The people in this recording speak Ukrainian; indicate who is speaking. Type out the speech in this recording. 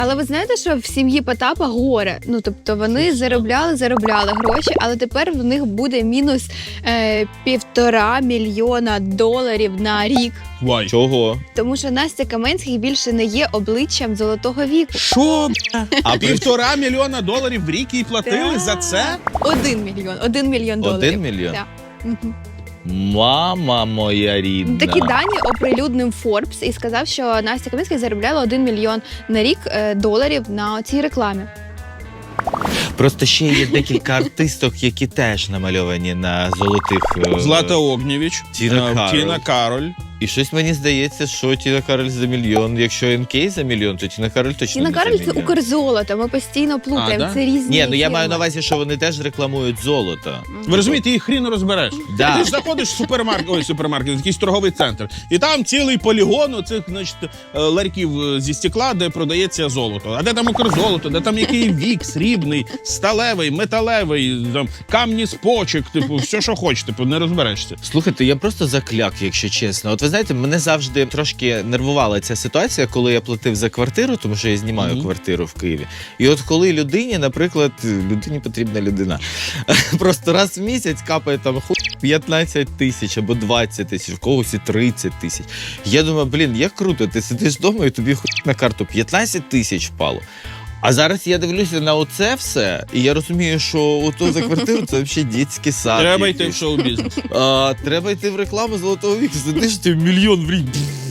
Speaker 1: Але ви знаєте, що в сім'ї Потапа горе? Ну, тобто вони заробляли гроші, але тепер в них буде мінус $1,5 мільйона на рік.
Speaker 2: Вай.
Speaker 3: Чого?
Speaker 1: Тому що Настя Каменських більше не є обличчям золотого віку.
Speaker 2: Що?
Speaker 3: А
Speaker 2: $1,5 мільйона в рік їй платили
Speaker 1: Так.
Speaker 2: за це?
Speaker 1: 1 мільйон. $1 мільйон.
Speaker 3: 1 мільйон?
Speaker 1: Так. Мгм.
Speaker 3: Мама моя рідна.
Speaker 1: Такі дані оприлюднив Forbes і сказав, що Настя Каменських заробляла $1 мільйон на рік доларів на цій рекламі.
Speaker 3: Просто ще є декілька артисток, які теж намальовані на золотих.
Speaker 2: Злата Огнєвіч,
Speaker 3: Тіна
Speaker 2: Кароль.
Speaker 3: І щось мені здається, що Тіна Кароль за мільйон. Якщо НК за мільйон, то Тіна Кароль точно
Speaker 1: Тіна
Speaker 3: не
Speaker 1: Кароль
Speaker 3: за
Speaker 1: це
Speaker 3: мільйон.
Speaker 1: Укрзолото, ми постійно плутаємо,
Speaker 2: А, да?
Speaker 1: це різні
Speaker 3: Ні, ну я
Speaker 1: фірми.
Speaker 3: маю на увазі, що вони теж рекламують золото.
Speaker 2: Ви розумієте, їх хріно розбереш.
Speaker 3: Да.
Speaker 2: Ти ж заходиш в супермаркет, якийсь торговий центр, і там цілий полігон оцих, значить, ларьків зі стекла, де продається золото. А де там Укрзолото, де там який вік, срібний, сталевий, металевий, там, камні з почек, типу, все, що хочеш, типу, не розберешся.
Speaker 3: Слухайте, я просто закляк, якщо чесно. От ви знаєте, мене завжди трошки нервувала ця ситуація, коли я платив за квартиру, тому що я знімаю квартиру в Києві. І от коли людині, наприклад, людині потрібна людина, просто раз в місяць капає там 15 тисяч або 20 тисяч, в когось і 30 тисяч. Я думаю, блін, як круто, ти сидиш вдома і тобі на карту 15 тисяч впало. А зараз я дивлюся на оце все, і я розумію, що ото за квартиру це взагалі дитячий сад.
Speaker 2: Треба йти в
Speaker 3: якийсь.
Speaker 2: шоу-бізнес.
Speaker 3: Треба йти в рекламу золотого віку, сидиш ти $1 мільйон в рік.